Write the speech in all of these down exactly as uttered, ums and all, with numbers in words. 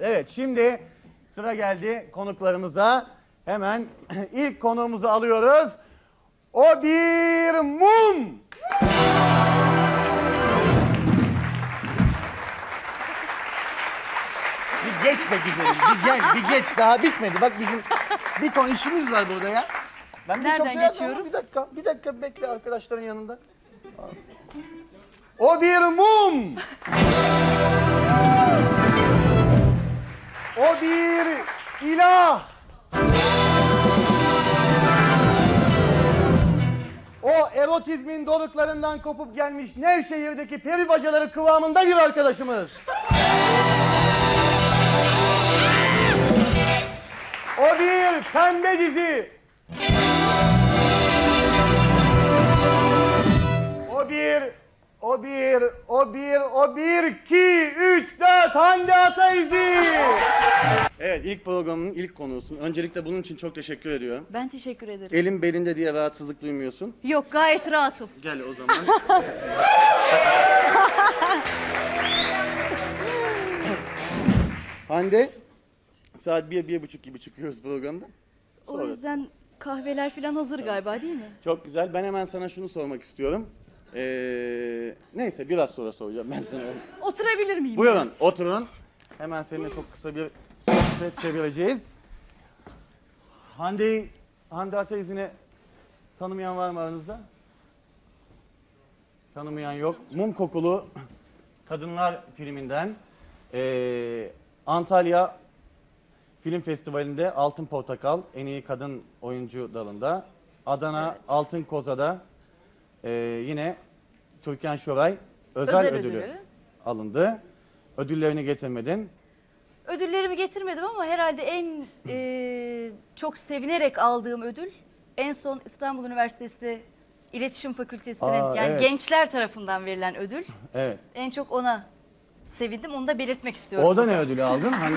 Evet, şimdi sıra geldi konuklarımıza. Hemen ilk konuğumuzu alıyoruz. O bir mum. Bir geç be güzelim, bir gel, bir geç. Daha bitmedi. Bak bizim bir ton işimiz var burada ya. Ben bir Nereden çok şey yazdım ama geçiyoruz? Bir dakika, bir dakika bekle arkadaşların yanında. O bir mum. O bir ilah. O erotizmin doruklarından kopup gelmiş Nevşehir'deki peri bacaları kıvamında bir arkadaşımız. O bir pembe dizi. O bir, o bir, o bir, o bir, iki, üç, dört, Hande Ataizi. Evet, ilk programın ilk konuğusun. Öncelikle bunun için çok teşekkür ediyorum. Ben teşekkür ederim. Elim belinde diye rahatsızlık duymuyorsun. Yok, gayet rahatım. Gel o zaman. Hande, saat bir, bir buçuk gibi çıkıyoruz programdan. O Sonra. yüzden kahveler falan hazır galiba, değil mi? Çok güzel. Ben hemen sana şunu sormak istiyorum. Ee, neyse biraz sonra soracağım ben sana. Oturabilir miyim? Buyurun, biraz? oturun. Hemen seninle çok kısa bir sohbet çevireceğiz. Hande'yi, Hande Ataizi'ni tanımayan var mı aranızda? Tanımayan yok. Mum Kokulu Kadınlar filminden ee, Antalya Film Festivali'nde Altın Portakal en iyi kadın oyuncu dalında. Adana Evet. Altın Koza'da ee, yine Türkan Şoray özel, Özel ödülü, ödülü. alındı. Ödüllerini getirmedin. Ödüllerimi getirmedim ama herhalde en e, çok sevinerek aldığım ödül en son İstanbul Üniversitesi İletişim Fakültesi'nin Aa, yani evet. gençler tarafından verilen ödül. Evet. En çok ona sevindim. Onu da belirtmek istiyorum. Orada ne ödülü aldın? Hangi?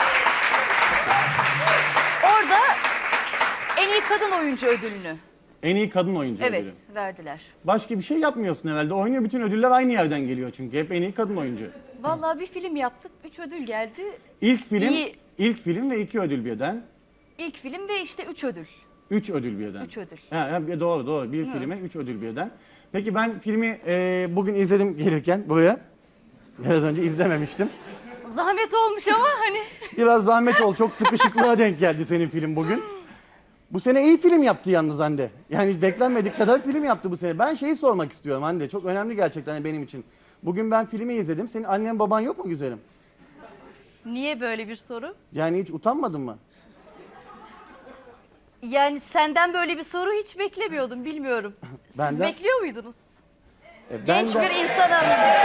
Orada en iyi kadın oyuncu ödülünü. En iyi kadın oyuncu Evet, ödülü. verdiler. Başka bir şey yapmıyorsun herhalde. Oynuyor, bütün ödüller aynı yerden geliyor çünkü. Hep en iyi kadın oyuncu. Vallahi bir film yaptık. Üç ödül geldi. İlk film, İyi. ilk film ve iki ödül birden. İlk film ve işte üç ödül. Üç ödül birden. Üç ödül. Ha, ha, doğru doğru. Bir filme üç ödül birden. Peki ben filmi e, bugün izledim gelirken buraya. Biraz önce izlememiştim. Zahmet olmuş ama hani. Biraz zahmet ol. Çok sıkışıklığa denk geldi senin film bugün. Bu sene iyi film yaptı yalnız Hande. Yani hiç beklenmedik kadar film yaptı bu sene. Ben şeyi sormak istiyorum Hande. Çok önemli gerçekten benim için. Bugün ben filmi izledim. Senin annen baban yok mu güzelim? Niye böyle bir soru? Yani hiç utanmadın mı? Yani senden böyle bir soru hiç beklemiyordum, bilmiyorum. Siz Benden- bekliyor muydunuz? E, ben Genç de- bir insanım.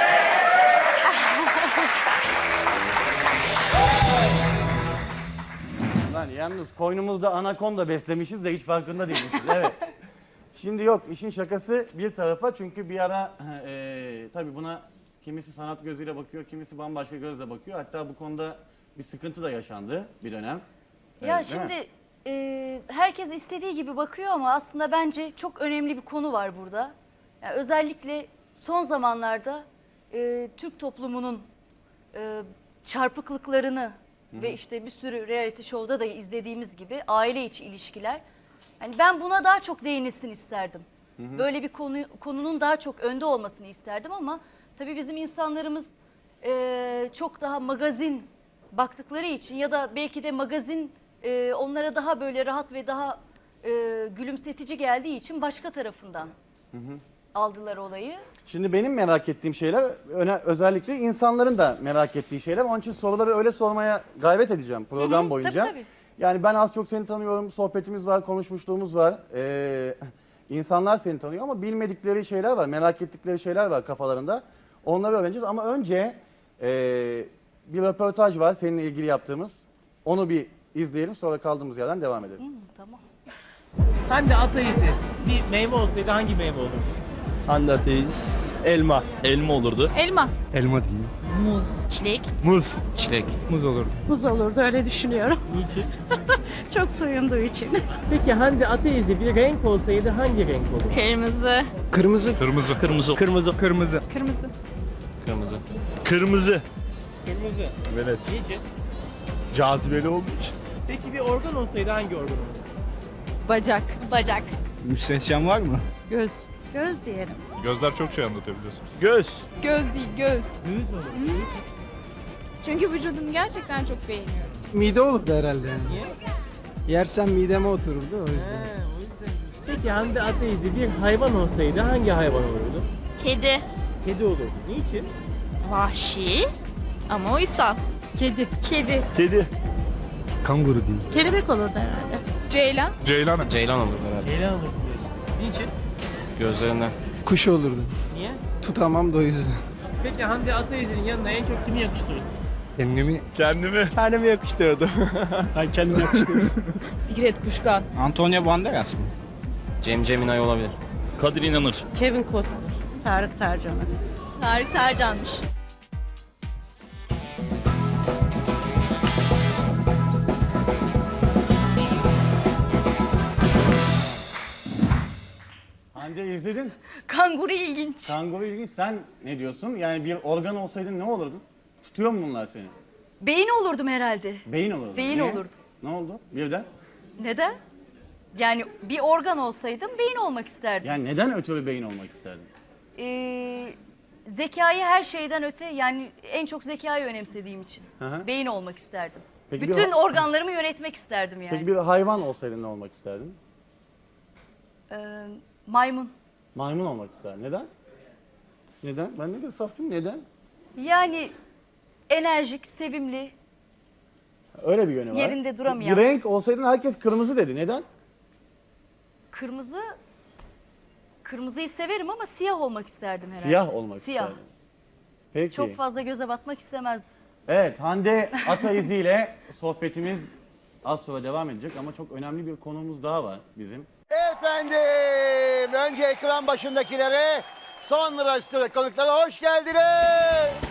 Lan yalnız koynumuzda anakonda beslemişiz de hiç farkında değilmişiz. Evet. Şimdi yok, işin şakası bir tarafa çünkü bir ara e, tabii buna kimisi sanat gözüyle bakıyor, kimisi bambaşka gözle bakıyor. Hatta bu konuda bir sıkıntı da yaşandı bir dönem. Ya Evet, değil mi? şimdi e, herkes istediği gibi bakıyor ama aslında bence çok önemli bir konu var burada. Yani özellikle son zamanlarda e, Türk toplumunun e, çarpıklıklarını ve işte bir sürü reality show'da da izlediğimiz gibi aile içi ilişkiler. Yani ben buna daha çok değinilsin isterdim. Böyle bir konu konunun daha çok önde olmasını isterdim ama tabii bizim insanlarımız e, çok daha magazin baktıkları için ya da belki de magazin e, onlara daha böyle rahat ve daha e, gülümsetici geldiği için başka tarafından aldılar olayı. Şimdi benim merak ettiğim şeyler öne, özellikle insanların da merak ettiği şeyler. Onun için soruları öyle sormaya gayret edeceğim program Hı hı, boyunca. tabii, tabii. Yani ben az çok seni tanıyorum, sohbetimiz var, konuşmuşluğumuz var. Ee, insanlar seni tanıyor ama bilmedikleri şeyler var, merak ettikleri şeyler var kafalarında. Onları öğreneceğiz ama önce e, bir röportaj var seninle ilgili yaptığımız. Onu bir izleyelim, sonra kaldığımız yerden devam edelim. Hı, tamam. Hande Ataizi bir meyve olsaydı hangi meyve olurdu? Hande Ataiz, elma. Elma olurdu. Elma. Elma değil. Çilek. Muz. Çilek. Muz olurdu. Muz olurdu öyle düşünüyorum. Niçin? Çok soyunduğu için. Peki Hande Ataizi bir renk olsaydı hangi renk olurdu? Kırmızı. Kırmızı. Kırmızı. Kırmızı. Kırmızı. Kırmızı. Kırmızı. Kırmızı. Kırmızı. Kırmızı. Evet. Niçin? Cazibeli olduğu için. Peki bir organ olsaydı hangi organ olurdu? Bacak. Bacak. Müstehcen var mı? Göz. Göz diyelim. Gözler çok şey anlatabiliyorsun. Göz. Göz değil, göz. Göğüs olur. Çünkü vücudunu gerçekten çok beğeniyorum. Mide olurdu herhalde yani. Niye? Yersem mideme otururdu o He, yüzden. o yüzden. Peki Hande Ataizi bir hayvan olsaydı hangi hayvan olurdu? Kedi. Kedi olurdu. Niçin? Vahşi ama uysal. Kedi. Kedi. Kedi. Kanguru değil. Kelebek olurdu herhalde. Ceylan. Ceylan. Ceylan olur herhalde. Ceylan olurdu diyorsun. Niçin? Gözlerinden. Kuş olurdu. Niye? Tutamam da o yüzden. Peki Hande Ataizi'nin yanına en çok kimi yakıştırırsın? Kendimi. Kendimi. Kendimi yakıştırdım. Ben kendimi yakıştırdım. Fikret Kuşkan. Antonio Banderas mı? Cem Ceminay olabilir. Kadir İnanır. Kevin Costner. Tarık Tarcan'ı. Tarık Tarcan'mış. Hande izledin. Kanguru ilginç. Kanguru ilginç. Sen ne diyorsun? Yani bir organ olsaydın ne olurdun? Tutuyor mu bunlar seni? Beyin olurdum herhalde. Beyin olurdun. Beyin Niye? olurdum. Ne oldu? Birden. Neden? Yani bir organ olsaydım beyin olmak isterdim. Yani neden ötürü beyin olmak isterdin? Ee, zekayı her şeyden öte, yani en çok zekayı önemsediğim için Hı hı. beyin olmak isterdim. Peki bir Bütün ha- organlarımı yönetmek isterdim yani. Peki bir hayvan olsaydın ne olmak isterdin? Ee, maymun. Maymun olmak isterdin. Neden? Neden? Ben ne kadar safçım. Neden? Yani enerjik, sevimli. Öyle bir yönü var. Yerinde duramayan. Bir renk olsaydın herkes kırmızı dedi. Neden? Kırmızı, kırmızıyı severim ama siyah olmak isterdim herhalde. Siyah olmak Siyah. isterdin. Peki. Çok fazla göze batmak istemezdim. Evet, Hande Ataizi ile sohbetimiz az sonra devam edecek ama çok önemli bir konumuz daha var bizim. Efendim, önce ekran başındakilere, sonra stüdyo konuklara hoş geldiniz.